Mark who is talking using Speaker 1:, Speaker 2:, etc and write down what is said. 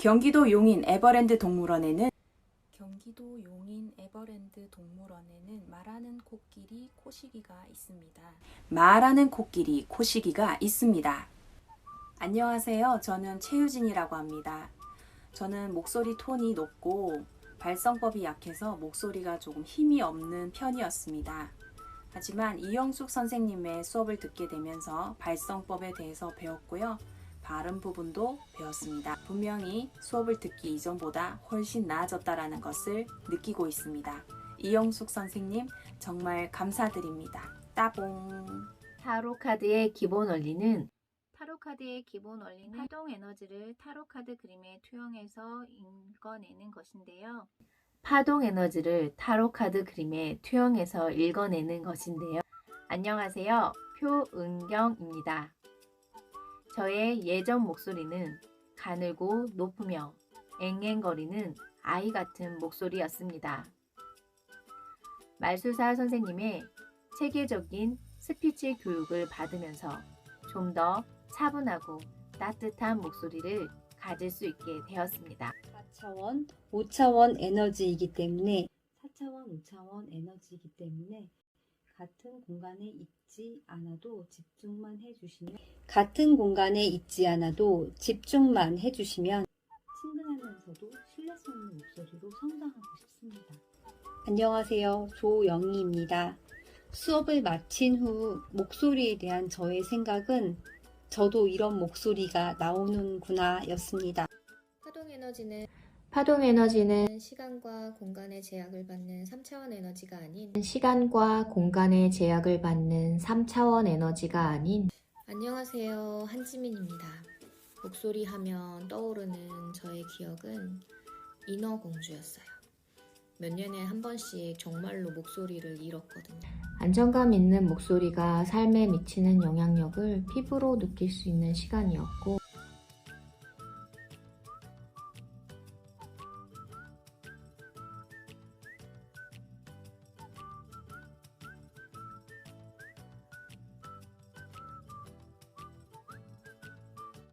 Speaker 1: 경기도 용인 에버랜드 동물원에는 말하는 코끼리 코시기가 있습니다. 안녕하세요. 저는 최유진이라고 합니다. 저는 목소리 톤이 높고 발성법이 약해서 목소리가 조금 힘이 없는 편이었습니다. 하지만 이영숙 선생님의 수업을 듣게 되면서 발성법에 대해서 배웠고요. 발음 부분도 배웠습니다. 분명히 수업을 듣기 이전보다 훨씬 나아졌다는 것을 느끼고 있습니다. 이영숙 선생님 정말 감사드립니다. 따봉.
Speaker 2: 타로카드의 기본 원리는 파동 에너지를 타로카드 그림에 투영해서 읽어내는 것인데요. 안녕하세요. 표은경입니다. 저의 예전 목소리는 가늘고 높으며 앵앵거리는 아이 같은 목소리였습니다. 말술사 선생님의 체계적인 스피치 교육을 받으면서 좀 더 차분하고 따뜻한 목소리를 가질 수 있게 되었습니다.
Speaker 3: 4차원, 5차원 에너지이기 때문에 같은 공간에 있지 않아도 집중만 해주시면 친근하면서도 신뢰성 있는 목소리로 성장하고 싶습니다. 안녕하세요. 조영희입니다. 수업을 마친 후 목소리에 대한 저의 생각은 저도 이런 목소리가 나오는구나 였습니다.
Speaker 4: 파동 에너지는 시간과 공간의 제약을 받는 3차원 에너지가 아닌 안녕하세요. 한지민입니다. 목소리 하면 떠오르는 저의 기억은 인어공주였어요. 몇 년에 한 번씩 정말로 목소리를 잃었거든요. 안정감 있는 목소리가 삶에 미치는 영향력을 피부로 느낄 수 있는 시간이었고